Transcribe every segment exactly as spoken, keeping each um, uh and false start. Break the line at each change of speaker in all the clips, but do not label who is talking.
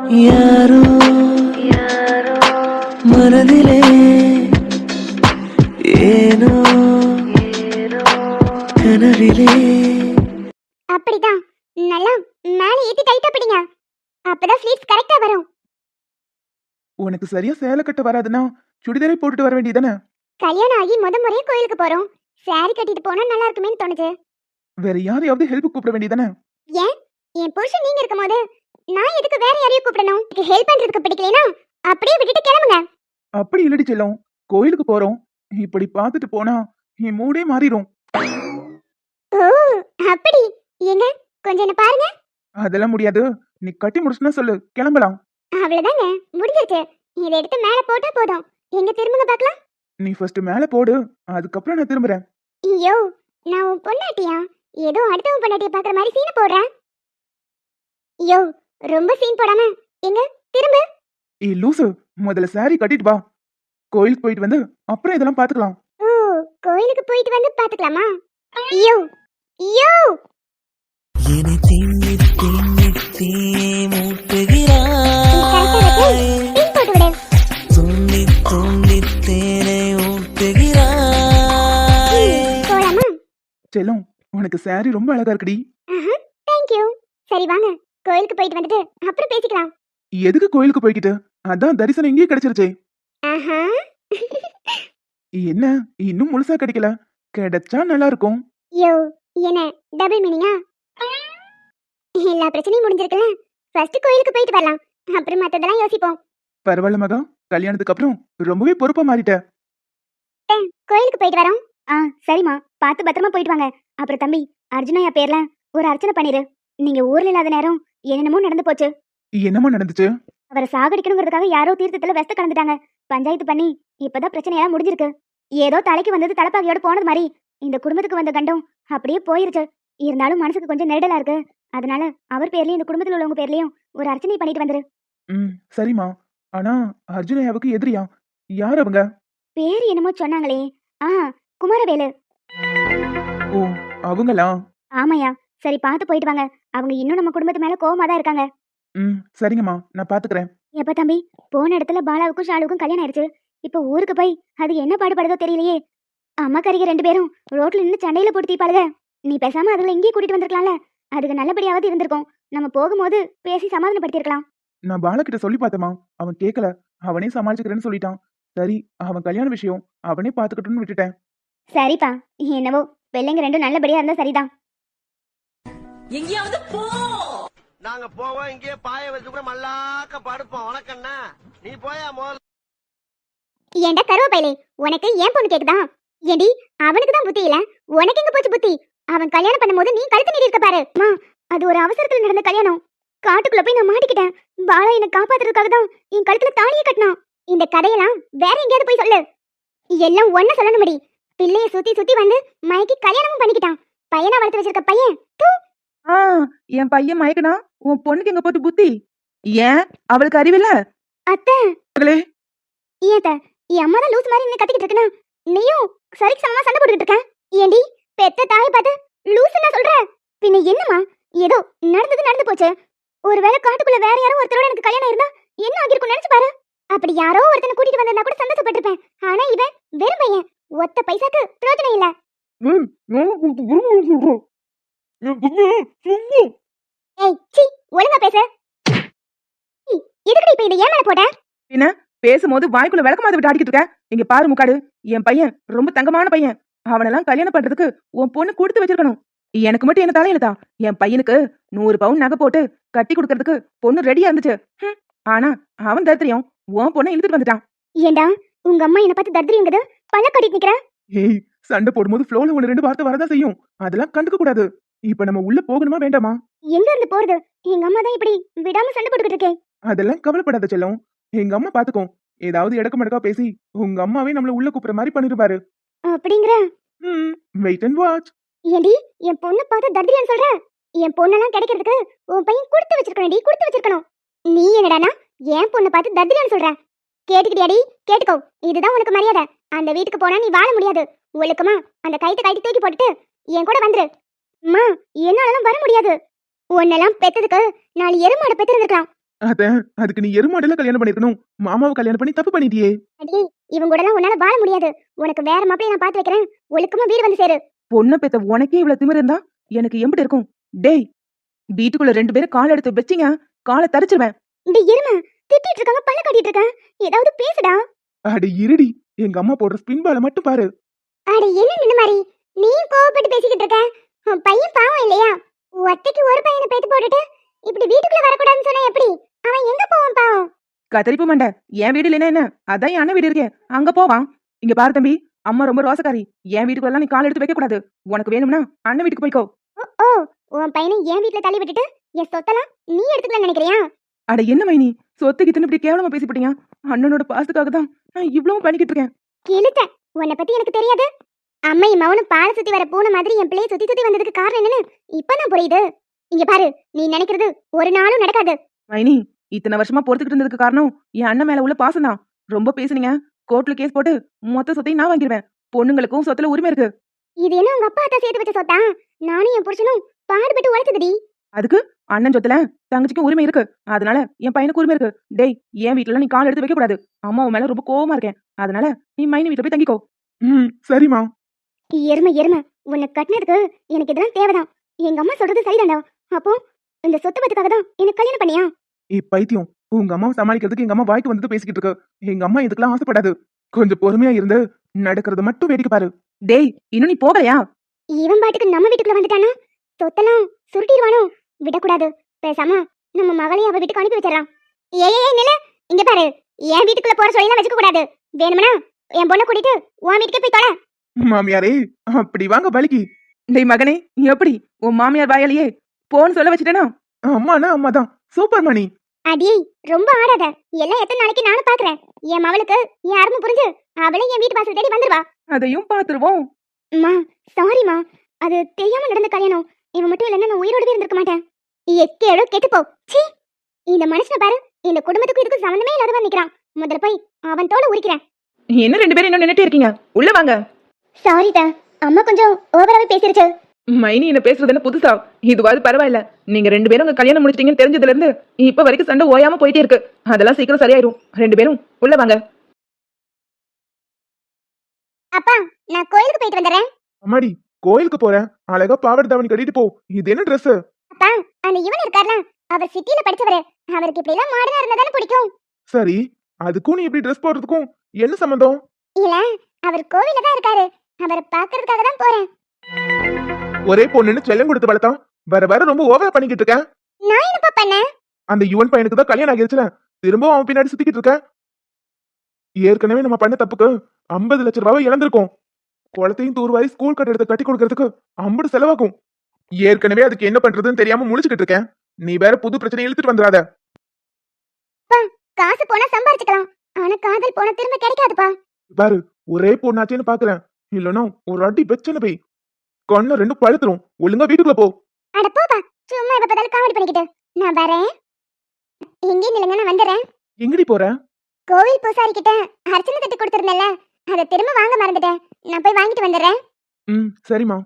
யாரோ மனதிலே ஏனோ கனவிலே.
அப்படிதான் நல்லா மேலே ஏத்தி டைட்டா பிடிங்க, அப்பதான் ஸ்லீவ்ஸ் கரெக்டா வரும்.
உனக்கு சரியா சேலை கட்ட வராதுன்னா சுடிதாரை போட்டுட்டு வர வேண்டியதானே?
கல்யாணம் ஆகி முத முறையே கோயிலுக்கு போறோம், சாரி கட்டிட்டு போனா நல்லா இருக்குமேன்னு தோணுது.
வேற யாரையாவது ஹெல்ப் கூப்பிட வேண்டியதானே?
ஏன் என் புருஷன் நீங்க இருக்கும் போது நான் எதுக்கு வேற யாரையும் கூப்பிடணும்? ஹெல்ப் பண்றதுக்கு பிடிக்கலனா அப்படியே விட்டுட்டு கிளம்புங்க.
அப்படி இல்லடி செல்லம், கோயிலுக்கு போறோம், இப்படி பார்த்துட்டு போனா என் மூடே மாறிடும்.
ஓ அப்படி, எங்க கொஞ்சம் என்ன பாருங்க.
அதெல்லாம் முடியாது, நீ கட்டி முடிச்சுனா சொல்லு, கிளம்பலாம்.
அவ்வளவுதாங்க, முடிஞ்சிருச்சு. இதை எடுத்து மேல போட்டா போதும். எங்க திரும்புங்க பார்க்கலாம்.
நீ ஃபர்ஸ்ட் மேல போடு, அதுக்கப்புறம் நான் திரும்புறேன்.
ஐயோ, நான் உன் பொண்டாட்டியா? ஏதோ அடுத்தவன் பொண்டாட்டிய பாக்குற மாதிரி சீன் போடுறேன். ஐயோ, ரொம்ப சீன் போடாம எங்க திரும்ப.
ஏய் லூசு, முதல்ல சாரி கட்டிட்டு வா, கோயிலுக்கு போயிட்டு வந்து அப்புறம் இதெல்லாம் பாத்துக்கலாம்.
ஓ, கோயிலுக்கு போயிட்டு வந்து பாத்துக்கலாமா? ஐயோ ஐயோ,
என்னை திண்ணி திண்ணி தீ மூட்டுகிறாய்,
சீன் போட்டு விடு.
துண்ணி துண்ணி தேனை ஊட்டுகிறாய்.
போலாமா?
செல்லம், உனக்கு சாரி ரொம்ப அழகா இருக்குடி.
ஆஹா, தேங்க் யூ. சரி வாங்க, கோயிலுக்கு போயிட்டு வந்துட்டு அப்புறம் பேசிக்கலாம்.
எதுக்கு கோயிலுக்கு போய்கிட்டு? அதான் தரிசனம் இங்கேயே கிடைச்சிருச்சே.
ஆஹா.
என்ன இன்னும் முழுசா கிடைக்கல? கிடைச்சா நல்லா இருக்கும்.
யோ, என்ன டபுள் மீனிங்கா? எல்லா பிரச்சனையும் முடிஞ்சிருக்குல்ல, ஃபர்ஸ்ட் கோயிலுக்கு போயிட்டு வரலாம், அப்புறம் மத்ததெல்லாம் யோசிப்போம்.
பரவாயில்ல மகா, கல்யாணத்துக்கு அப்புறம் ரொம்பவே பொறுப்பா மாறிட்ட.
கோயிலுக்கு போயிட்டு வரோம். ஆ சரிம்மா, பார்த்து பத்திரமா போயிட்டு வாங்க. அப்புறம் தம்பி, அர்ஜுனையா பேர்ல ஒரு அர்ச்சனை பண்ணிரு. நீங்க ஊர்ல இல்லாத நேரம் என்னென்னமோ நடந்து போச்சு.
என்னமா நடந்துச்சு?
அவரை சாகடிக்கணுங்கிறதுக்காக யாரோ தீர்த்தத்துல வெஸ்த கலந்துட்டாங்க. பஞ்சாயத்து பண்ணி இப்பதான் பிரச்சனையெல்லாம் முடிஞ்சிருக்கு. ஏதோ தலைக்கு வந்தது தலைப்பாகையோட போனது மாதிரி இந்த குடும்பத்துக்கு வந்த கண்டம் அப்படியே போயிருச்சு. இருந்தாலும் மனசுக்கு கொஞ்சம் நெருடலா இருக்கு. அதனால அவர் பேர்லயும் இந்த குடும்பத்துல உள்ளவங்க பேர்லயும் ஒரு அர்ச்சனை பண்ணிட்டு வந்துரு.
ம் சரிம்மா. ஆனா அர்ஜுனையாவுக்கு எதிரியா? யார் அவங்க?
பேர் என்னமோ சொன்னாங்களே. ஆ, குமாரவேலு.
ஓ, அவங்களா?
ஆமாயா. சரி, பார்த்து போயிட்டு வாங்க. அவங்க இன்னும் நம்ம குடும்பத்து மேல கோவமா தான் இருக்காங்க.
ம் சரிங்கம்மா, நான் பாத்துக்கிறேன்.
எப்ப தம்பி, போன இடத்துல பாலாவுக்கும் ஷாலுக்கும் கல்யாணம் ஆயிடுச்சு. இப்ப ஊருக்கு போய் அது என்ன பாடுபடுதோ தெரியலையே. அம்மா கறிக ரெண்டு பேரும் ரோட்ல நின்று சண்டையில போட்டு தீப்பாளுக. நீ பேசாம அதுல இங்கேயே கூட்டிட்டு வந்திருக்கலாம்ல, அதுக்கு நல்லபடியாவது இருந்திருக்கும். நம்ம போகும்போது பேசி சமாதானப்படுத்திருக்கலாம்.
நான் பாலகிட்ட சொல்லி பார்த்தேம்மா, அவன் கேட்கல. அவனே சமாளிச்சுக்கிறேன்னு சொல்லிட்டான். சரி, அவன் கல்யாண விஷயம் அவனே பாத்துக்கிட்டுன்னு விட்டுட்டேன்.
சரிப்பா, என்னவோ பிள்ளைங்க ரெண்டும் நல்லபடியா இருந்தா சரிதான்.
எங்கேயாவது போ.
நாங்க போவோம், இங்கே பாய வச்சு கூட மல்லாக்க படுப்போம். உனக்கண்ணா நீ போயா முதல்ல.
ஏண்டா கருவப்பையிலே, உனக்கு ஏன் பொண்ணு கேக்குதா? ஏண்டி, அவனுக்கு தான் புத்தி இல்ல, உனக்கு எங்க போச்சு புத்தி? அவன் கல்யாணம் பண்ணும்போது நீ கழுத்து நீடி இருக்க பாரு. மா, அது ஒரு அவசரத்துல நடந்த கல்யாணம். காட்டுக்குள்ள போய் நான் மாட்டிக்கிட்டேன். பாலா என்னை காப்பாத்துறதுக்காக தான் என் கழுத்துல தாலியை கட்டினான். இந்த கதையெல்லாம் வேற எங்கேயாவது போய் சொல்லு. எல்லாம் ஒன்ன சொல்லணும்படி பிள்ளைய சுத்தி சுத்தி வந்து மயக்கி கல்யாணமும் பண்ணிக்கிட்டான். பையனா வளர்த்து வச்சிருக்க பையன். தூ.
ஆ, என் பையன் மயக்கனா உன் பொண்ணுக்கு எங்க போட்டு புத்தி? ஏன் அவளுக்கு அறிவில்ல?
அத்தை,
மகளே,
ஏத்த என் அம்மா தான் லூஸ் மாதிரி நின்னு கத்திக்கிட்டு இருக்கனா, நீயும் சரிக்கு சமமா சண்டை போட்டுக்கிட்டு இருக்க. ஏண்டி, பெத்த தாயை பார்த்து லூசுன்னா சொல்ற? பின்ன என்னம்மா, ஏதோ நடந்தது நடந்து போச்சு. ஒருவேளை காட்டுக்குள்ள வேற யாரோ ஒருத்தரோட எனக்கு கல்யாணம் இருந்தா என்ன ஆகிருக்கும் நினைச்சு பாரு. அப்படி யாரோ ஒருத்தனை கூட்டிட்டு வந்திருந்தா கூட சந்தோஷப்பட்டிருப்பேன். ஆனா இவன் வெறும் பையன், ஒத்த பைசாக்கு பிரயோஜனம் இல்ல. ஏய் சீ, ஒழுங்கா பேசு. எதுக்கு இப்ப இதை ஏன் மேல போட்ட?
என்ன பேசும்போது வாய்க்குள்ள விளக்கமாத விட்டு ஆடிக்கிட்டு இருக்க? இங்க பாரு முக்காடு, என் பையன் ரொம்ப தங்கமான பையன். அவனெல்லாம் கல்யாணம் பண்றதுக்கு உன் பொண்ணு கொடுத்து வச்சிருக்கணும். எனக்கு மட்டும் என்ன தலையிலதா? என் பையனுக்கு நூறு பவுன் நகை போட்டு கட்டி கொடுக்கறதுக்கு பொண்ணு ரெடியா இருந்துச்சு. ஆனா அவன் தரித்திரியம் உன் பொண்ணை இழுத்துட்டு வந்துட்டான்.
ஏண்டா, உங்க அம்மா என்ன பார்த்து தரித்திரியுங்குது பல்ல கட்டிட்டு நிக்கிற?
ஏய், சண்டை போடும்போது ஃப்ளோல ஒன்னு ரெண்டு வார்த்தை வரதான் செய்யும். அதெல்லாம் கண்டுக்க கூடாது. இப்ப நம்ம உள்ள போகணுமா வேண்டாமா?
எங்க இருந்து போறது? எங்க அம்மா தான் இப்படி விடாம சண்டை போட்டுக்கிட்டு இருக்கேன்.
அதெல்லாம் கவலைப்படாத செல்லம், எங்க அம்மா பாத்துக்கோ. ஏதாவது இடக்க மடக்கா பேசி உங்க அம்மாவே நம்மள உள்ள கூப்பிடுற மாதிரி பண்ணிருப்பாரு.
அப்படிங்கிற?
ம், வெயிட் அண்ட் வாட்ச்.
ஏண்டி, என் பொண்ணு பார்த்து தரித்திரியான்னு சொல்ற? என் பொண்ணெல்லாம் கிடைக்கிறதுக்கு உன் பையன் கொடுத்து வச்சிருக்கணும்டி, கொடுத்து வச்சிருக்கணும். நீ என்னடானா என் பொண்ணு பார்த்து தரித்திரியான்னு சொல்ற? கேட்டுக்கிட்டியாடி? கேட்டுக்கோ, இதுதான் உனக்கு மரியாதை. அந்த வீட்டுக்கு போனா நீ வாழ முடியாது. ஒழுக்கமா அந்த கைத்தை கைட்டு தூக்கி போட்டுட்டு என் கூட வந்துரு. அம்மா, என்னாலலாம் வர முடியாது. உன்னெல்லாம் பெத்ததுக்கு நாலு எருமாட பெத்திருந்திருக்கலாம்.
அத அதுக்கு நீ எருமாடல கல்யாணம் பண்ணிருக்கணும். மாமாவை கல்யாணம் பண்ணி தப்பு பண்ணிட்டியே.
அடி இவங்க கூட எல்லாம் உன்னால வாழ முடியாது. உனக்கு வேற மாப்பிளைய நான் பாத்து வைக்கிறேன். ஒழுக்கமா வீடு வந்து சேரு.
பொண்ணை பெத்த உனக்கே இவ்வளவு திமிரு இருந்தா எனக்கு எம்பிட்டு இருக்கும்? டேய், வீட்டுக்குள்ள ரெண்டு பேரும் கால் எடுத்து வச்சிங்க, காலை தரிச்சிருவேன்.
இந்த எருமை திட்டிட்டு இருக்காங்க, பல்ல காட்டிட்டு இருக்கான். ஏதாவது பேசுடா.
அட இருடி, எங்க அம்மா போடுற ஸ்பின் பால மட்டும் பாரு.
அட என்ன இந்த மாதிரி நீ கோவப்பட்டு பேசிக்கிட்டு இருக்க? உன் பையன் பாவம் இல்லையா? ஒத்தைக்கு ஒரு பையனை பேத்து போட்டுட்டு இப்படி வீட்டுக்குள்ள வரக்கூடாதுன்னு சொன்னா எப்படி? அவன் எங்க போவான் பாவம்?
கத்தரிப்பு மண்டை, என் வீடு இல்லைன்னா என்ன? அதான் என் அண்ணன் வீடு இருக்கே, அங்க போவான். இங்க பாரு தம்பி, அம்மா ரொம்ப ரோசக்காரி. என் வீட்டுக்குள்ள நீ கால் எடுத்து வைக்க கூடாது. உனக்கு வேணும்னா அண்ணன் வீட்டுக்கு போய்க்கோ.
ஓ உன் பையனை என் வீட்டுல தள்ளி விட்டுட்டு என் சொத்தெல்லாம் நீ எடுத்துக்கலாம் நினைக்கிறியா?
அட என்ன மைனி, சொத்துக்கு இத்தனை இப்படி கேவலமா பேசி போட்டீங்க? அண்ணனோட பாசத்துக்காக தான் நான் இவ்வளவு பண்ணிக்கிட்டு இருக்கேன்.
கிழித்த உன்னை பத்தி எனக்கு தெரியாது. அம்மையும் மவனும் பாலை சுத்தி வர பூனை மாதிரி என் பிள்ளைய சுத்தி சுத்தி வந்ததுக்கு காரணம் என்னன்னு இப்பதான் புரியுது. இங்க பாரு, நீ நினைக்கிறது ஒரு நாளும் நடக்காது.
மைனி, இத்தனை வருஷமா பொறுத்துக்கிட்டு இருந்ததுக்கு காரணம் என் அண்ணன் மேல உள்ள பாசம் தான். ரொம்ப பேசுனீங்க, கோர்ட்ல கேஸ் போட்டு மொத்த சொத்தையும் நான் வாங்கிடுவேன். பொண்ணுங்களுக்கும் சொத்துல உரிமை இருக்கு.
இது என்ன உங்க அப்பா அத்தா சேர்த்து வச்ச சொத்தா? நானும் என் புருஷனும் பாடுபட்டு உழைச்சதுடி.
அதுக்கு அண்ணன் சொத்துல தங்கச்சிக்கும் உரிமை இருக்கு. அதனால என் பையனுக்கு உரிமை இருக்கு. டேய், என் வீட்டுல நீ கால் எடுத்து வைக்க கூடாது. அம்மா உன் மேல ரொம்ப கோவமா இருக்கேன். அதனால நீ மைனி வீட்டுல போய் தங்கிக்கோ.
ம் சரிம்மா.
எருமை எருமை, உன்னை கட்டினதுக்கு எனக்கு இதெல்லாம் தேவைதான். எங்க அம்மா சொல்றது சரிதான்டா. அப்போ இந்த சொத்து பத்துக்காக தான் எனக்கு கல்யாணம் பண்ணியா?
ஏ பைத்தியம், உங்க அம்மாவை சமாளிக்கிறதுக்கு எங்க அம்மா வாய்க்கு வந்து பேசிக்கிட்டு இருக்கு. எங்க அம்மா இதுக்கெல்லாம் ஆசைப்படாது. கொஞ்சம் பொறுமையா இருந்து நடக்கிறத மட்டும் வேடிக்கை பாரு.
டேய், இன்னும் நீ போகலையா?
இவன் பாட்டுக்கு நம்ம வீட்டுக்குள்ள வந்துட்டானா சொத்தெல்லாம் சுருட்டிடுவானோ? விடக்கூடாது. பேசாம நம்ம மகளையும் அவ வீட்டுக்கு அனுப்பி வச்சிடலாம். ஏய் ஏய் நில, இங்க பாரு, என் வீட்டுக்குள்ள போற சொல்லிலாம் வச்சுக்க கூடாது. வேணும்னா என் பொண்ணை கூட்டிட்டு உன் வீட்டுக்கே போய் தொலை.
மாமியாரே, அப்படி வாங்க பலிக்கு.
டேய் மகனே, எப்படி உன் மாமியார் வாயாலேயே போன்னு சொல்ல வச்சுட்டேனா?
அம்மானா அம்மாதான். சூப்பர் மணி.
அடி ரொம்ப ஆடாத. எல்லாம் எத்தனை நாளைக்கு நானும் பாக்குறேன். என் மவளுக்கு யாருமே புரிஞ்சு அவளே என் வீட்டு வாசல் தேடி வந்துருவா.
அதையும் பாத்துருவோம்.
அம்மா சாரிம்மா, அது தெரியாம நடந்த கல்யாணம். இவன் மட்டும் இல்லைன்னா நான் உயிரோடவே இருந்திருக்க மாட்டேன். எக்கேடோ கெட்டுப்போ. சீ, இந்த மனுஷனை பாரு, இந்த குடும்பத்துக்கும் இதுக்கும் சம்மந்தமே இல்லாதவன் நிக்கிறான். முதல்ல போய் அவன் தோலை உரிக்கிறேன்.
என்ன ரெண்டு பேரும் இன்னும் நின்னுட்டே இருக்கீங்க? உள்ள வாங்க.
சாரிதா, அம்மா கொஞ்சம் ஓவராவே பேசிருச்சு.
மைனி என்ன பேசுறது என்ன புதுசா? இதுவாது பரவாயில்ல. நீங்க ரெண்டு பேரும் உங்க கல்யாணம் முடிச்சிட்டீங்கன்னு தெரிஞ்சதுல இருந்து இப்ப வரைக்கும் சண்டை ஓயாம போயிட்டே இருக்கு. அதெல்லாம் சீக்கிரம் சரியாயிரும். ரெண்டு பேரும் உள்ள வாங்க.
அப்பா, நான் கோயிலுக்கு போயிட்டு வந்துடுறேன்.
அம்மாடி, கோயிலுக்கு போறேன். அழகா பாவாடை தாவணி கட்டிட்டு போ. இது என்ன ட்ரெஸ்?
அப்பா, அந்த இவன் இருக்கார்ல, அவர் சிட்டில படிச்சவரு. அவருக்கு இப்படி எல்லாம் மாடர்னா இருந்தா தானே பிடிக்கும்.
சரி, அதுக்கும் நீ இப்படி ட்ரெஸ் போடுறதுக்கும் என்ன சம்பந்தம்?
இல்ல, அவர் கோவில்ல தான் இருக்காரு. அவரை பாக்குறதுக்காக தான் போறேன்.
ஒரே பொண்ணுன்னு செல்லம் கொடுத்து வளர்த்தான். வர வர ரொம்ப ஓவரா பண்ணிக்கிட்டு இருக்க.
நான் என்னப்பா பண்ணேன்?
அந்த யுவன் பையனுக்கு தான் கல்யாணம் ஆகிருச்சுல, திரும்பவும் அவன் பின்னாடி சுத்திக்கிட்டு இருக்க. ஏற்கனவே நம்ம பண்ண தப்புக்கு ஐம்பது லட்சம் ரூபாவை இழந்திருக்கோம். குளத்தையும் தூர்வாரி ஸ்கூல் கட்டடத்தை கட்டி கொடுக்கறதுக்கு ஐம்பது செலவாகும். ஏற்கனவே அதுக்கு என்ன பண்றதுன்னு தெரியாம முழிச்சுக்கிட்டு இருக்கேன். நீ வேற புது பிரச்சனை இழுத்துட்டு வந்துடாத.
காசு போனா சம்பாரிச்சுக்கலாம், ஆனா காதல் போனா திரும்ப கிடைக்காதுப்பா.
பாரு, ஒரே பொண்ணாச்சேன்னு பாக்குறேன். இல்லன்னா ஒரு அடி வெச்சன போய் கண்ண ரெண்டு பழுத்துரும். ஒழுங்கா வீட்டுக்குள்ள போ.
அட போப்பா, சும்மா இப்ப பதால காமெடி பண்ணிக்கிட்டு. நான் வரேன். எங்கே நிலங்க, நான் வந்துடுறேன்.
எங்கடி போற?
கோவில் பூசாரி கிட்ட அர்ச்சனை தட்டு கொடுத்திருந்தேன்ல, அதை திரும்ப வாங்க மறந்துட்டேன். நான் போய் வாங்கிட்டு வந்துடுறேன்.
ம் சரிம்மா.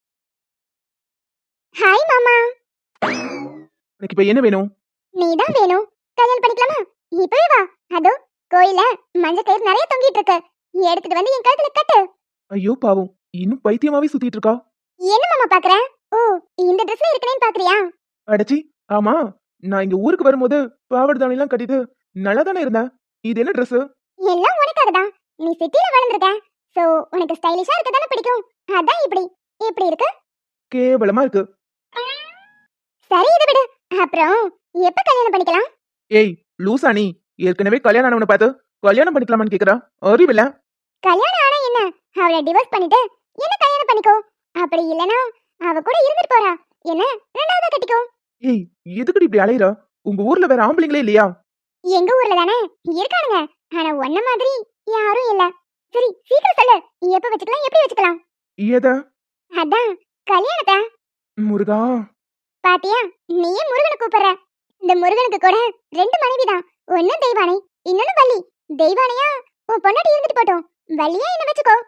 ஹாய் மாமா.
எனக்கு இப்ப என்ன வேணும்?
நீதான் வேணும். கல்யாணம் பண்ணிக்கலாமா? இப்பவே வா. அதோ கோயில்ல மஞ்சள் கயிறு நிறைய தொங்கிட்டு இருக்கு, எடுத்துட்டு வந்து என் கழுத்துல கட்டு.
ஐயோ பாவம், இன்னும் பைத்தியமாவே சுத்திட்டு இருக்கா.
என்ன மாமா பாக்குற? ஓ, இந்த ட்ரெஸ்ல இருக்கனேன்னு பாக்குறியா?
அடச்சி, ஆமா, நான் இங்க ஊருக்கு வரும்போது பாவாடை தாவணி எல்லாம் கட்டிட்டு நல்லா தானே இருந்தேன். இது என்ன ட்ரெஸ்?
எல்லாம் உனக்காக தான். நீ சிட்டில வளர்ந்துருக்க, சோ உனக்கு ஸ்டைலிஷா இருக்க தானே பிடிக்கும். அதான் இப்படி இப்படி இருக்கு.
கேவலமா இருக்கு.
சரி, இதை விடு. அப்புறம் எப்ப கல்யாணம் பண்ணிக்கலாம்?
ஏய் லூசா, நீ ஏற்கனவே கல்யாணம் ஆனவனை பார்த்து கல்யாணம் பண்ணிக்கலாமான்னு கேக்குறா? அறிவில்ல.
கல்யாணம் ஆனா என்ன, அவளை டிவோர்ஸ் பண்ணிட்டு என்ன கல்யாணம் பண்ணிக்கோ. அப்படி இல்லனா அவ கூட இருந்துட்டு போறா, என்ன ரெண்டாவது கட்டிக்கோ.
ஏய், எதுக்குடி இப்படி அலையற? உங்க ஊர்ல வேற ஆம்பளைங்களே இல்லையா?
எங்க ஊர்ல தானே இருக்கானுங்க, ஆனா ஒன்ன மாதிரி யாரும் இல்ல. சரி சீக்கிரம் சொல்லு, எப்ப வச்சுக்கலாம், எப்படி வச்சுக்கலாம்?
ஏதா?
அதான் கல்யாணத்தை.
முருகா,
பாத்தியா, நீயே முருகனை கூப்பிடுற. இந்த முருகனுக்கு கூட ரெண்டு மனைவிதான். ஒன்னு தெய்வானை, இன்னொன்னு வள்ளி. தெய்வானையா உன் பொண்டாட்டி இருந்துட்டு போட்டோம், வள்ளியா என்ன வச்சுக்கோ.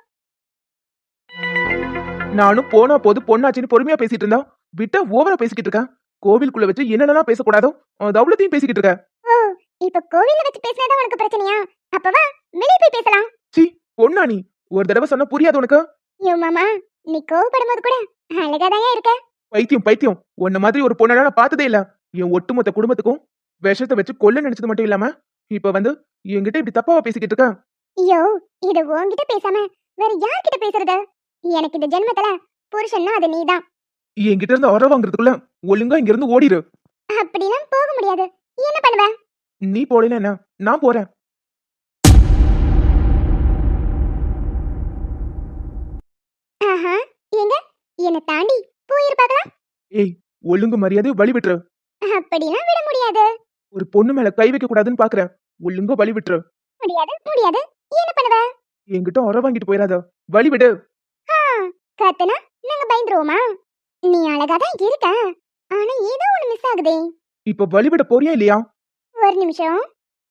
நானும் போனா போது பொண்ணாச்சின்னு பொறுமையா பேசிட்டு இருந்தா விட்டா ஓவரா பேசிக்கிட்டு இருக்கேன். கோவிலுக்குள்ள வச்சு என்னென்னலாம் பேசக்கூடாதோ அது அவ்வளோத்தையும் பேசிக்கிட்டு இருக்க.
ஓ, இப்ப கோவில்ல வச்சு பேசினதா உனக்கு பிரச்சனையா? அப்ப வா வெளிய போய் பேசலாம்.
சி பொண்ணா நீ? ஒரு தடவை சொன்னா புரியாது உனக்கு?
யோ மாமா, நீ கோவப்படும்போது கூட அழகாதான் இருக்க.
பைத்தியம் பைத்தியம், உன்ன மாதிரி ஒரு பொண்ணை நான் பார்த்ததே இல்ல. என் ஒட்டுமொத்த குடும்பத்துக்கும் விஷத்தை வச்சு கொல்ல நினைச்சது மட்டும் இல்லாம இப்ப வந்து என்கிட்ட இப்படி தப்பாவா பேசிக்கிட்டு இருக்க?
ஐயோ, இது உன்கிட்ட பேசாம வேற யார்கிட்ட பேசுறது? எனக்கு இந்த ஜென்மத்துல புருஷன்னா அது நீதான்.
என்கிட்ட இருந்து உர வாங்குறதுக்குள்ள ஒழுங்கா இங்க இருந்து ஓடிரு.
அப்படிலாம் போக முடியாது. என்ன பண்ணுவ?
நீ போடல என்ன, நான் போறேன்.
ஆஹா, எங்க என்ன தாண்டி போயிருப்பாங்களா?
ஏய், ஒழுங்கு மரியாதை வழி விட்டுரு.
அப்படிலாம் விட முடியாது.
ஒரு பொண்ணு மேல கை வைக்க கூடாதுன்னு பாக்குறேன். ஒழுங்கா வழி விட்டுரு.
முடியாது முடியாது. என்ன பண்ணுவ?
என்கிட்ட உர வாங்கிட்டு போயிடாத, வழி விடு.
ஆ, கத்துனா நாங்க பயந்துருவோமா? நீ அழகாதான் இருக்க, ஆனா ஏதோ ஒண்ணு மிஸ் ஆகுதே.
இப்ப வழி விட போறியா இல்லையா?
ஒரு நிமிஷம்.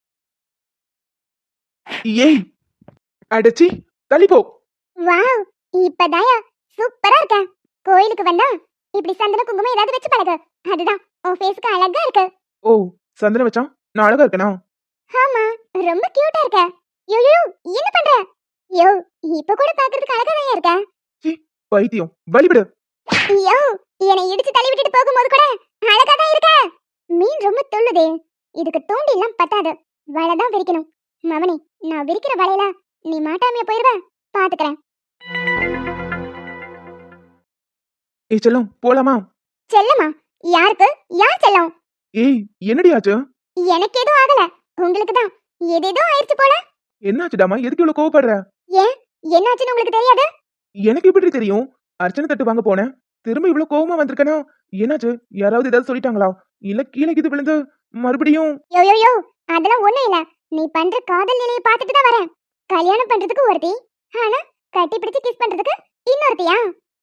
ஏய், அடச்சி தள்ளி போ.
வாவ், இப்பதாயா சூப்பரா இருக்க. கோயிலுக்கு வந்தா இப்படி சந்தன குங்குமம் ஏதாவது வச்சு பழகு. அதுதான் உன் ஃபேஸ்க்கு அழகா இருக்கு.
ஓ, சந்தனம் வச்சா நான் அழகா இருக்கனா?
ஆமா, ரொம்ப கியூட்டா இருக்க. யோ யோ, என்ன பண்ற? யோ, இப்ப கூட பாக்குறதுக்கு அழகாதான் இருக்க.
பைத்தியம், வழி விடு.
யோ, என்னை இடிச்சு தள்ளி விட்டுட்டு போகும்போது கூட அழகாதான் இருக்க. மீன் ரொம்ப துள்ளுதே. இதுக்கு தூண்டி எல்லாம் பத்தாது, வலைதான் விரிக்கணும். மவனி, நான் விரிக்கிற வலையில நீ மாட்டாமைய போயிருவ, பாத்துக்கிறேன்.
ஏய் செல்லம், போலாமா?
செல்லமா? யாருக்கு? யார் செல்லம்?
ஏய், என்னடி ஆச்சு?
எனக்கு எதுவும் ஆகல, உங்களுக்கு தான் ஏதேதோ ஆயிடுச்சு போல.
என்னாச்சுடாமா, எதுக்கு இவ்வளவு கோவப்படுற?
ஏன், என்னாச்சுன்னு உங்களுக்கு தெரியாது?
எனக்கு எப்படி தெரியும்? அர்ச்சனை தட்டு வாங்க போனேன், திரும்ப இவ்வளவு கோவமா வந்திருக்கனா? என்னாச்சு? யாராவது ஏதாவது சொல்லிட்டாங்களா? இல்ல கீழே இது விழுந்து மறுபடியும்?
யோ யோ யோ, அதெல்லாம் ஒண்ணும் இல்ல. நீ பண்ற காதல் நிலையை பார்த்துட்டு தான் வரேன். கல்யாணம் பண்றதுக்கு ஒருத்தி, ஆனா கட்டி பிடிச்சு கிஸ் பண்றதுக்கு இன்னொருத்தியா?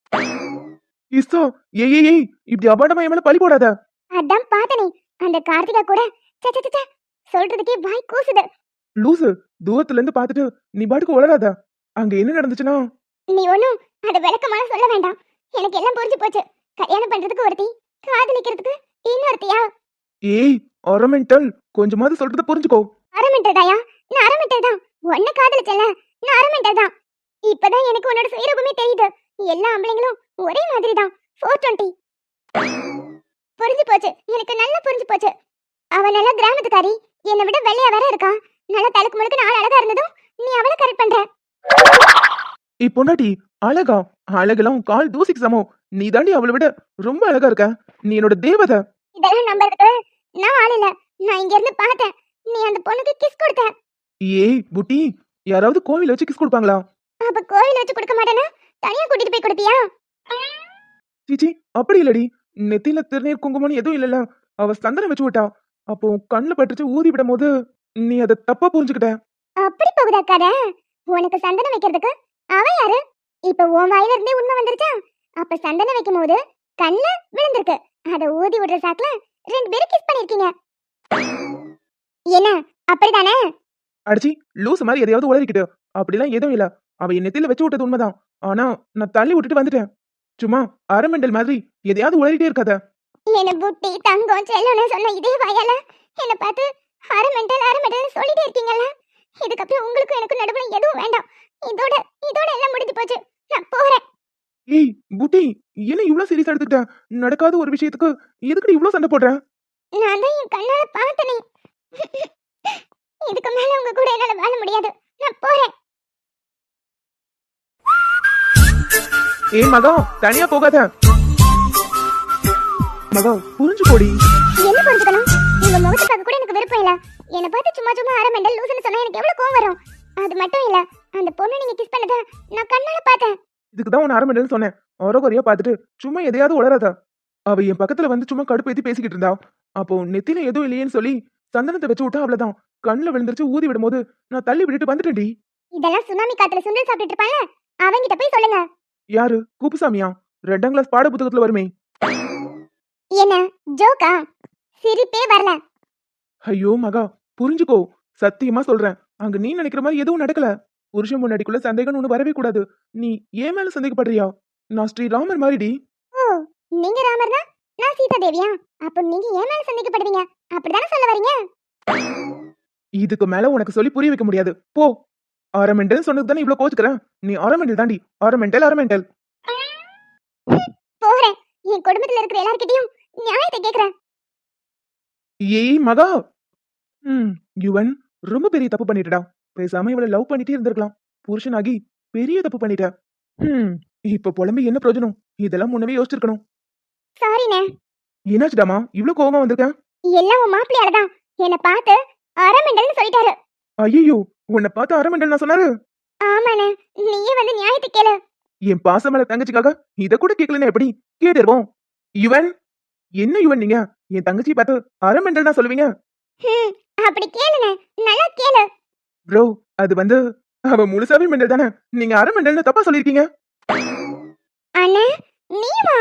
இஸ்ஸோ, ஏய் ஏய் ஏய், இப்படி அபாண்டமா என் மேல பழி போடாத.
அதான் பார்த்தனே, அந்த கார்த்திகா கூட சே சே சே சொல்றதுக்கே வாய் கூசுது.
லூசு, தூரத்துல இருந்து பாத்துட்டு நீ பாட்டுக்கு உளராத. அங்க என்ன நடந்துச்சுன்னா?
நீ ஒண்ணும் அத விளக்கமான சொல்ல வேண்டாம், எனக்கு எல்லாம் புரிஞ்சு போச்சு. கல்யாணம் பண்றதுக்கு ஒருத்தி, காதலிக்கிறதுக்கு இன்னொருத்தியா?
ஏய் ஒரமெண்டல், கொஞ்சமாவது சொல்றத புரிஞ்சுக்கோ.
அரமெண்டல் தாயா? நான் அரமெண்டல் தான். உன்னை காதலிச்சல, நான் அரமெண்டல் தான். இப்பதான் எனக்கு உன்னோட சுயரூபமே தெரியுது. எல்லா ஆம்பளைங்களும் ஒரே மாதிரி தான். ஃபோர் டுவெண்ட்டி புரிஞ்சு போச்சு, எனக்கு நல்லா புரிஞ்சு போச்சு. அவ நல்ல கிராமத்துக்காரி, என்னை விட வெள்ளையா வேற இருக்கா. நல்ல தலுக்கு முழுக்க நாள் அழகா இருந்ததும் நீ அவளை கரெக்ட் பண்ற.
ஏய் பொண்டாட்டி, அழகா? அழகெல்லாம் உன் கால் தூசிக்கு சமம். நீ தாண்டி அவளை விட ரொம்ப அழகா இருக்க. நீ என்னோட தேவதை.
இதெல்லாம் நம்பறதுக்கு நான் ஆள் இல்ல. நான் இங்க இருந்து பார்த்தேன், நீ அந்த பொண்ணுக்கு கிஸ் கொடுத்த.
ஏய் புட்டி, யாராவது கோவில வச்சு கிஸ் கொடுப்பாங்களா?
அப்ப கோயில வச்சு கொடுக்க மாட்டேனா தனியா கூட்டிட்டு போய் கொடுப்பியா?
சீச்சி, அப்படி இல்லடி. நெத்தியில திருநீர் குங்குமம்னு எதுவும் இல்லல. அவ சந்தனம் வச்சு விட்டா. அப்போ கண்ணுல பட்டுச்சு, ஊதி விடும் போது நீ அதை தப்பா புரிஞ்சுக்கிட்ட.
அப்படி போகுதா கதை? உனக்கு சந்தனம் வைக்கிறதுக்கு அவ யாரு? இப்ப உன் வாயில இருந்தே உண்மை வந்துருச்சா? அப்ப சந்தனம் வைக்கும் போது கண்ணுல விழுந்திருக்கு, அத ஊதி விடுற சாக்குல ரெண்டு பேரும் கிஸ் பண்ணிருக்கீங்க. என்ன, அப்படிதானே?
அடிச்சி லூசு மாதிரி எதையாவது உளறிக்கிட்டு. அப்படிலாம் எதுவும் இல்ல. அவ என் நெத்தியில வச்சு விட்டது உண்மைதான். ஆனா நான் தள்ளி விட்டுட்டு வந்துட்டேன். சும்மா அரமெண்டல் மாதிரி எதையாவது உளறிட்டே இருக்காத.
என்ன புட்டி தங்கம் செல்லணும் சொன்ன இதே வாயால என்ன பார்த்து அரமெண்டல் அரமெண்டல் சொல்லிட்டே இருக்கீங்கல்ல. இதுக்கப்புறம் உங்களுக்கு எனக்கு நடுவுல எதுவும் வேண்டாம். இதோட இதோட எல்லாம் முடிஞ்சு போச்சு. நான் போறேன்.
ஏய் புட்டி, என்ன இவ்வளவு சீரியஸா எடுத்துக்கிட்ட? நடக்காத ஒரு விஷயத்துக்கு எதுக்கு இவ்வளவு சண்டை போடுற?
நான் தான் என் கண்ணால பார்த்தனே. இதுக்கு மேல உங்க கூட என்னால வாழ முடியாது. நான் போறேன்.
ஏய் மகா, தனியா போகாத. மகா புரிஞ்சு போடி.
என்ன புரிஞ்சுக்கணும்? உங்க முகத்தை பார்க்க கூட எனக்கு விருப்பம் இல்ல. என்ன பார்த்து சும்மா சும்மா அரமெண்டல் லூசுன்னு சொன்னா எனக்கு எவ்வளவு கோவம் வரும். அது மட்டும் இல்ல, அந்த பொண்ணு நீங்க கிஸ் பண்ணத நான் கண்ணால பார்த்தேன்.
இதுக்குதான் உன் அரமெண்டல் சொன்னேன். ஒரகுறையா பார்த்துட்டு சும்மா எதையாவது உளராத. அவ என் பக்கத்துல வந்து சும்மா கடுப்பு ஏத்தி பேசிக்கிட்டு இருந்தா. அப்போ நெத்தில எதுவும் இல்லையேன்னு சொல்லி சந்தனத்தை வச்சு விட்டா. அவ்வளவுதான், கண்ணுல விழுந்துருச்சு. ஊதி விடும் போது நான் தள்ளி விட்டுட்டு வந்துட்டேன்டி.
இதெல்லாம் சுனாமி காத்துல சுண்டல் சாப்பிட்டுட்டு இருப்பாங்க, அவங்கிட்ட போய் சொல்லுங்க.
யாரு? குப்புசாமியா? ரெண்டாம் கிளாஸ் பாட புத்தகத்துல வருமே.
என்ன ஜோக்கா? சிரிப்பே வரல.
ஐயோ மகா, புரிஞ்சுக்கோ. சத்தியமா சொல்றேன், அங்க நீ நினைக்கிற மாதிரி எதுவும் நடக்கல. புருஷன் முன்னாடிக்குள்ள சந்தேகம் ஒண்ணு வரவே கூடாது. நீ ஏன் மேல சந்தேகப்படுறியா? நான் ஸ்ரீராமர் மாதிரிடி.
ஓ, நீங்க ராமர்னா நான் சீதா தேவியா? அப்ப நீங்க ஏன் மேல சந்தேகப்படுவீங்க? அப்படிதானே சொல்ல வரீங்க?
இதுக்கு மேல உனக்கு சொல்லி புரிய வைக்க முடியாது போ. ஆரமெண்டல் சொன்னது தானே இவ்வளவு கோச்சுக்கிறேன். நீ ஆரமெண்டல் தாண்டி. ஆரமெண்டல் ஆரமெண்டல்.
போறேன். என் குடும்பத்துல இருக்கிற எல்லார்கிட்டயும் நியாயத்தை கேக்குறேன்.
ஏய் மகா. ம் யுவன் ரொம்ப பெரிய தப்பு பண்ணிட்டடா. பேசாம இவளை லவ் பண்ணிட்டே இருந்திருக்கலாம். புருஷனாகி பெரிய தப்பு பண்ணிட்ட. ம் இப்ப புலம்பி என்ன பிரயோஜனம்? இதெல்லாம் முன்னவே யோசிச்சிருக்கணும்.
சாரிண்ணே.
என்னாச்சுடாமா இவ்ளோ கோவமா வந்திருக்க?
எல்லாம் உன் மாப்பிள்ளையால தான். என்னை பார்த்து அரமெண்டல்னு சொல்லிட்டாரு.
ஐயோ உன்னை பார்த்து அரமெண்டல் நான் சொன்னாரு?
ஆமாண்ணே. நீயே வந்து நியாயத்தை கேளு.
என் பாசமல தங்கச்சிக்காக இத கூட கேட்கலன்னா எப்படி? கேட்டிருவோம். யுவன் என்ன யுவன் நீங்க என் தங்கச்சி பார்த்து அரமெண்டல் தான் சொல்லுவீங்க?
ஹம், அப்படி கேளுண்ணே. நல்லா கேளு.
ப்ரோ அது வந்து அவ முழுசாவே மெண்டல் தானே. நீங்க அரமெண்டல்னு தப்பா சொல்லிருக்கீங்க.
அண்ணே நீமா?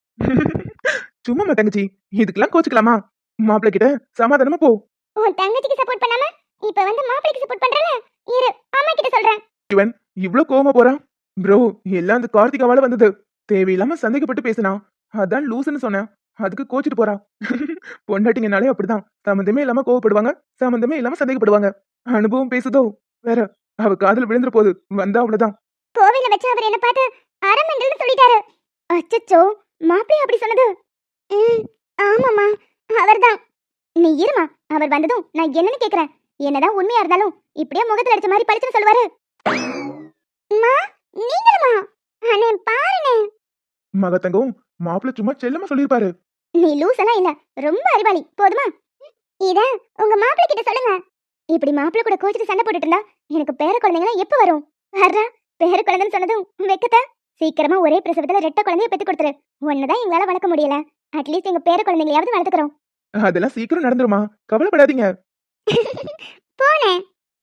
சும்மா தங்கச்சி இதுக்கெல்லாம் கோச்சுக்கலாமா? மாப்பிள்ளை கிட்ட சமாதானமா போ.
உன் தங்கச்சிக்கு சப்போர்ட் பண்ணாம இப்ப வந்து மாப்பிளைக்கு சப்போர்ட் பண்றல. இரு அம்மா கிட்ட சொல்றேன்.
யுவன் இவ்ளோ கோவமா போறான். ப்ரோ எல்லாம் அந்த கார்த்திகாவால வந்தது. தேவையில்லாம சந்தேகப்பட்டு பேசினா அதான் லூசுன்னு சொன்னேன். அதுக்கு கோச்சிட்டு போறா. பொண்டாட்டிங்கனாலே அப்படிதான். சம்மந்தமே இல்லாம கோவப்படுவாங்க, சம்மந்தமே இல்லாம சந்தேகப்படுவாங்க. அனுபவம் பேசுதோ வேற. அவ காதல் விழுந்துற போது வந்தா அவ்வளவுதான்.
கோவில வச்சு அவர் என்ன பார்த்து அரமெண்டல்னு சொல்லிட்டாரு. அச்சச்சோ, மாப்பிள்ளை அப்படி சொன்னது? ம் ஆமாம்மா அவர்தான். நீ இருமா, அவர் வந்ததும் நான் என்னன்னு கேக்குறேன். என்னதான் உண்மையா இருந்தாலும் இப்படியே முகத்துல அடிச்ச மாதிரி பளிச்சுன்னு சொல்லுவாரு. அம்மா நீங்களுமா? அண்ணே பாருண்ணே.
மகத்தங்கம் மாப்பிள்ளை சும்மா செல்லமா சொல்லிருப்பாரு.
நீ லூஸ் எல்லாம் இல்ல, ரொம்ப அறிவாளி. போதுமா? இத உங்க மாப்பிள்ளை கிட்ட சொல்லுங்க. இப்படி மாப்பிள்ளை கூட கோச்சிட்டு சண்டை போட்டுட்டு இருந்தா எனக்கு பேர குழந்தைங்களாம் எப்ப வரும்? வர்றா பேர குழந்தைன்னு சொன்னதும் வெக்கத்த. சீக்கிரமா ஒரே பிரசவத்துல ரெட்ட குழந்தைய பெத்து கொடுத்துரு. ஒன்னதான் எங்களால வளர்க்க முடியல. அட்லீஸ்ட் எங்க பேர குழந்தைங்களையாவது வளர்த்துக்கிறோம்.
அதெல்லாம் சீக்கிரம் நடந்துருமா, கவலைப்படாதீங்க.
போனே.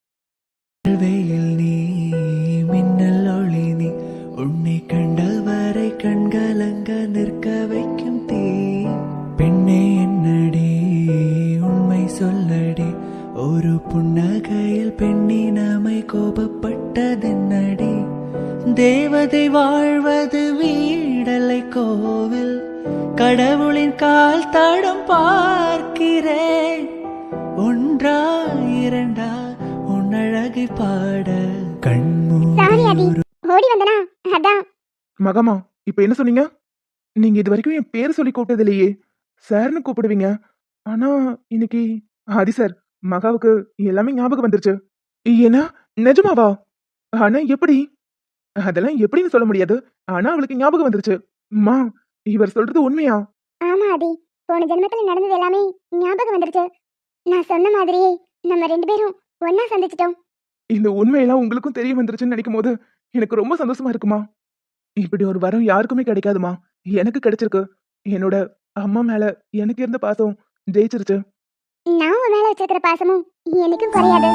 வெயில் நீ மின்னல் ஒளி நீ உன்னை கண்டவரை கண்கலங்க நிற்க வைக்கும் தீ. பெண்ணே என்னடி உண்மை சொல்லடி, ஒரு புன்னகையில் பெண்ணினமை கோபப்பட்டதென்னடி. தேவதை வாழ்வது வீடலை கோவில், கடவுளின் கால் தடம் பார்க்கிறேன். ஒன்றா இரண்டா உன் அழகை பாட
சாரி அதி,
கண்மூடி.
ஓடி வந்தனா அதான்.
மகமா இப்ப என்ன சொன்னீங்க? நீங்க இது வரைக்கும் என் பேர் சொல்லி கூப்பிட்டது இல்லையே. சார்னு கூப்பிடுவீங்க. ஆனா இன்னைக்கு ஆதி சார் மகாவுக்கு எல்லாமே ஞாபகம் வந்துருச்சு. ஏன்னா நிஜமாவா? ஆனா எப்படி? அதெல்லாம் எப்படின்னு சொல்ல முடியாது. ஆனா அவளுக்கு ஞாபகம் வந்துருச்சு. மா இவர் சொல்றது உண்மையா?
ஆமா அதி, போன ஜென்மத்துல நடந்தது எல்லாமே ஞாபகம் வந்துருச்சு. நான் சொன்ன மாதிரியே நம்ம ரெண்டு பேரும் ஒன்னா சந்திச்சிட்டோம்.
இந்த உண்மையெல்லாம் உங்களுக்கும் தெரிய வந்துருச்சுன்னு நினைக்கும் போது எனக்கு ரொம்ப சந்தோஷமா இருக்குமா. இப்படி ஒரு வரம் யாருக்குமே கிடைக்காதுமா. எனக்கு கிடைச்சிருக்கு. என்னோட அம்மா மேல எனக்கு இருந்த பாசம் ஜெயிச்சிருச்சு.
நான் உன் மேல வச்சிருக்கிற பாசமும் என்னைக்கும் குறையாது.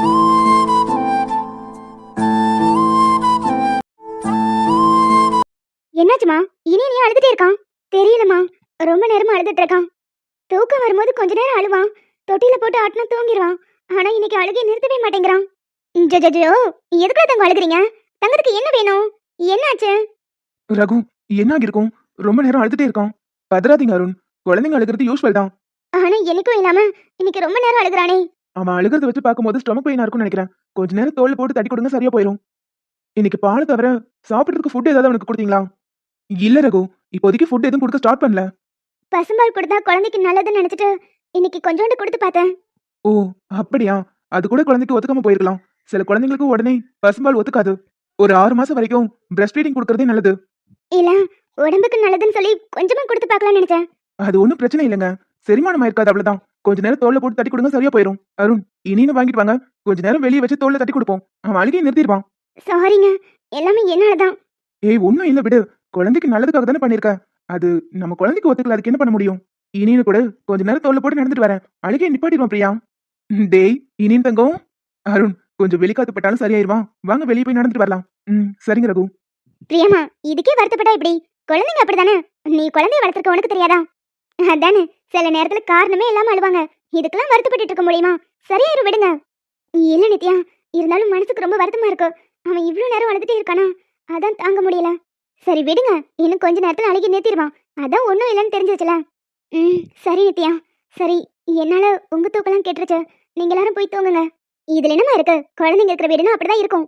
என்னாச்சுமா? இனி நீ அழுதுட்டே இருக்கான்? தெரியலமா, ரொம்ப நேரமா அழுதுட்டு இருக்கான். தூக்கம் வரும்போது கொஞ்ச நேரம் அழுவான், தொட்டில போட்டு ஆட்டினா தூங்கிடுவான். ஆனா இன்னைக்கு அழுகை நிறுத்தவே மாட்டேங்கிறான். ஜோ எதுக்குள்ள தங்க அழுகுறீங்க? தங்கத்துக்கு என்ன வேணும்? என்னாச்சு?
ரகு என்ன ஆகிருக்கும்? ரொம்ப நேரம் அழுதுட்டே இருக்கான். பதறாதீங்க அருண். குழந்தைங்க அழுகிறது யூஸ்வல் தான்.
ஆனா எனக்கும் இல்லாம இன்னைக்கு ரொம்ப நேரம் அழுகுறானே.
அவன் அழுகிறத வச்சு பார்க்கும்போது ஸ்டொமக் பெயினா இருக்கும்னு நினைக்கிறேன். கொஞ்ச நேரம் தோல்ல போட்டு தட்டி கொடுங்க, சரியா போயிடும். இன்னைக்கு பால் தவிர சாப்பிட்றதுக்கு ஃபுட் ஏதாவது அவனுக்கு கொடுத்தீங்களா? இல்ல ரகு, இப்போதைக்கு ஃபுட் எதுவும் கொடுக்க ஸ்டார்ட் பண்ணல.
பசும்பால் கொடுத்தா குழந்தைக்கு நல்லதுன்னு நினைச்சிட்டு இன்னைக்கு கொஞ்சோண்டு கொடுத்து பார்த்தேன்.
ஓ அப்படியா? அது கூட குழந்தைக்கு ஒத்துக்காம போயிருக்கலாம். சில குழந்தைங்களுக்கு உடனே பசும்பால் ஒத்துக்காது. ஒரு ஆறு மாசம் வரைக்கும் பிரஸ்ட் ஃபீடிங் கொடுக்கறதே நல்லது.
இல்ல உடம்புக்கு நல்லதுன்னு சொல்லி கொஞ்சமா கொடுத்து பார்க்கலாம்னு நினைச்சேன்.
அது ஒன்றும் பிரச்சனை இல்லைங்க. செரிமானம் ஆயிருக்காது, அவ்வளவுதான். கொஞ்ச நேரம் தோல்ல போட்டு தட்டி கொடுங்க, சரியா போயிடும். அருண் இனின்னு வாங்கிட்டு வாங்க. கொஞ்ச நேரம் வெளியே வச்சு தோல்ல தட்டி கொடுப்போம். அவன் அழுகையை நிறுத்திடுவான்.
சாரிங்க, எல்லாமே என்னாலதான்.
ஏய் ஒன்னும் இல்ல விடு. குழந்தைக்கு நல்லதுக்காக தானே பண்ணிருக்க. அது நம்ம குழந்தைக்கு ஒத்துக்கல, அதுக்கு என்ன பண்ண முடியும்? இனின்னு கூட கொஞ்ச நேரம் தோல்ல போட்டு நடந்துட்டு வரேன். அழுகையை நிப்பாட்டிடுவான் பிரியா. டேய் இனின்னு தங்கம். அருண் கொஞ்சம் வெளிக்காத்து பட்டாலும் சரியாயிருவான். வாங்க வெளியே போய் நடந்துட்டு வரலாம். ம் சரிங்க ரகு.
பிரியமா, இதுக்கே வருத்தப்பட்டா இப்படி? குழந்தைங்க அப்படிதானே. நீ குழந்தைய வளர்த்துருக்க உனக்கு தெரியாதா? அதானே, சில நேரத்துல காரணமே இல்லாம அழுவாங்க. இதுக்கெல்லாம் வருத்தப்பட்டு இருக்க முடியுமா? சரியாயிரும், விடுங்க. இல்ல நித்யா, இருந்தாலும் மனசுக்கு ரொம்ப வருத்தமா இருக்கு. அவன் இவ்வளவு நேரம் அழுதுட்டே இருக்கானா, அதான் தாங்க முடியல. சரி விடுங்க, இன்னும் கொஞ்ச நேரத்துல அழுகி நிறுத்திடுவான். அதான் ஒன்னும் இல்லைன்னு தெரிஞ்சிருச்சுல. ம் சரி நித்யா. சரி, என்னால உங்க தூக்கெல்லாம் கேட்டுருச்சு. நீங்க எல்லாரும் போய் தூங்குங்க. இதுல என்னமா இருக்கு, குழந்தைங்க இருக்கிற வீடுனா அப்படிதான் இருக்கும்.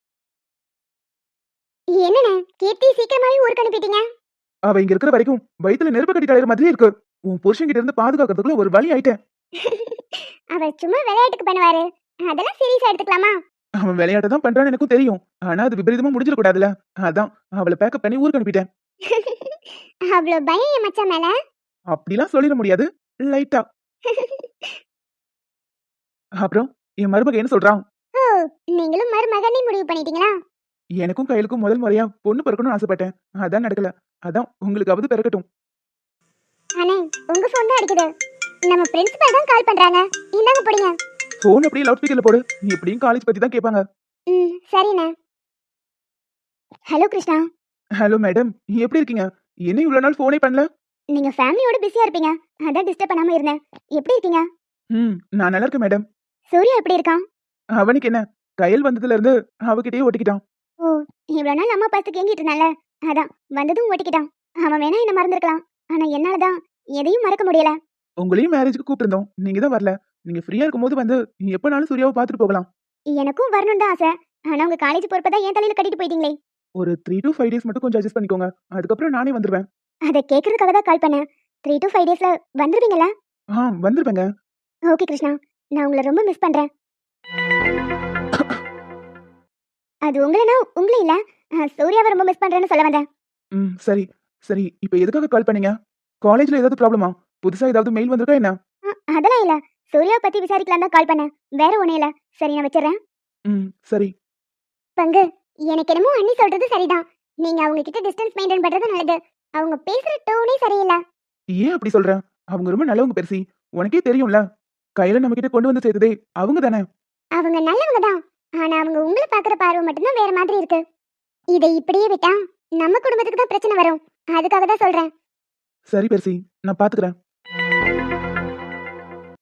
என்னண்ணே கீர்த்தி சீக்கிரமாவே ஊருக்கு அனுப்பிட்டீங்க?
அவ இங்க இருக்கிற வரைக்கும் வயித்துல நெருப்பு கட்டி தலைவர் மாதிரியே இருக்கு. உன் புருஷன் கிட்ட இருந்து பாதுகாக்கிறதுக்குள்ள ஒரு வழி ஆயிட்டேன்.
அவர் சும்மா விளையாட்டுக்கு பண்ணுவாரு, அதெல்லாம் சீரியஸா எடுத்துக்கலாமா?
அவன் விளையாட்ட தான் பண்றான்னு எனக்கும் தெரியும். ஆனா அது விபரீதமா முடிஞ்சிட கூடாதுல. அதான் அவளை பேக்கப் பண்ணி ஊருக்கு அனுப்பிட்டேன்.
அவ்வளவு பயம் என் மச்சான் மேல?
அப்படிலாம் சொல்லிட முடியாது, லைட்டா. அப்புறம் என் மருமக என்ன சொல்றான்?
ஓ, நீங்களும் மருமகனே முடிவு பண்ணிட்டீங்களா?
எனக்கும் கையிலுக்கும் முதல் முறையா பொண்ணு பிறக்கணும்னு ஆசைப்பட்டேன். அதான் நடக்கல. அதான் உங்களுக்காவது பிறக்கட்டும்.
அண்ணே உங்க போன் தான் அடிக்குது. நம்ம பிரின்சிபல் தான் கால் பண்றாங்க. இந்தாங்க போடுங்க.
போன் அப்படியே லவுட் ஸ்பீக்கர்ல போடு. நீ எப்படியும் காலேஜ் பத்தி தான் கேட்பாங்க.
ம் சரிண்ணே. ஹலோ கிருஷ்ணா.
ஹலோ மேடம், எப்படி இருக்கீங்க? என்ன இவ்வளவு நாள் போனே பண்ணல?
நீங்க ஃபேமிலியோட பிஸியா இருப்பீங்க, அதான் டிஸ்டர்ப் பண்ணாம இருந்தேன். எப்படி இருக்கீங்க?
ம் நான் நல்லா இருக்கேன் மேடம்.
சூர்யா எப்படி இருக்கான்?
அவனுக்கு என்ன, கையல் வந்ததுல இருந்து அவகிட்டயே ஒட்டிக்கிட்டான்.
ஓ, இவ்வளவு நாள் அம்மா பார்த்து கேங்கிட்டு இருந்தால, அதான் வந்ததும் ஓட்டிக்கிட்டான். அவன் வேணா என்ன மறந்துருக்கலாம், ஆனா என்னாலதான் எதையும் மறக்க முடியல.
உங்களையும் மேரேஜுக்கு கூப்பிட்டிருந்தோம், நீங்க தான் வரல. நீங்க ஃப்ரீயா இருக்கும்போது வந்து எப்பனாலும் சூர்யாவை பார்த்துட்டு போகலாம்.
எனக்கும் வரணும் தான் ஆசை, ஆனா உங்க காலேஜ் பொறுப்பதான் என் தலையில கட்டிட்டு போயிட்டீங்களே.
ஒரு த்ரீ டு ஃபைவ் டேஸ் மட்டும் கொஞ்சம் அட்ஜஸ்ட் பண்ணிக்கோங்க. அதுக்கப்புறம் நானே வந்துருவேன்.
அதை கேட்கறதுக்காக தான் கால் பண்ணேன். த்ரீ டு ஃபைவ் டேஸ்ல வந்துருவீங்களா?
ஆ வந்துருவேங்க.
ஓகே கிருஷ்ணா, நான் உங்களை ரொம்ப மிஸ் பண்றேன். அது உங்களனா உங்களே இல்ல, அஹ், சூர்யாவை ரொம்ப மிஸ் பண்றேன்னு சொல்ல வந்தேன்.
ம் சரி சரி, இப்போ எதுக்காக கால் பண்ணீங்க? காலேஜ்ல ஏதாவது ப்ராப்ளமா? புதுசா ஏதாவது மெயில் வந்திருக்கா என்ன?
அஹ், அதெல்லாம் இல்ல, சூர்யாவை பத்தி விசாரிக்கலாம் தான் கால் பண்ணேன், வேற ஒண்ணும் இல்ல. சரி நான் வச்சிடறேன்.
ம் சரி.
பங்கு, எனக்கு என்னமோ அண்ணி சொல்றது சரிதான். நீங்க அவங்க கிட்ட டிஸ்டன்ஸ் மெயின்டைன் பண்றது நல்லது. அவங்க பேசுற டோனே சரியில்லை.
ஏன் அப்படி சொல்ற? அவங்க ரொம்ப நல்லவங்க பெருசி, உனக்கே தெரியும்ல. கையில நம்ம கிட்ட கொண்டு வந்து சேர்த்ததே அவங்க தானே.
அவங்க நல்லவங்க தான், ஆனா அவங்க உங்களை பாக்குற பார்வை மட்டும்தான் வேற மாதிரி இருக்கு. இதை இப்படியே விட்டா நம்ம குடும்பத்துக்கு தான் பிரச்சனை வரும். அதுக்காக தான் சொல்றேன்.
சரி பெருசி, நான் பாத்துக்கிறேன்.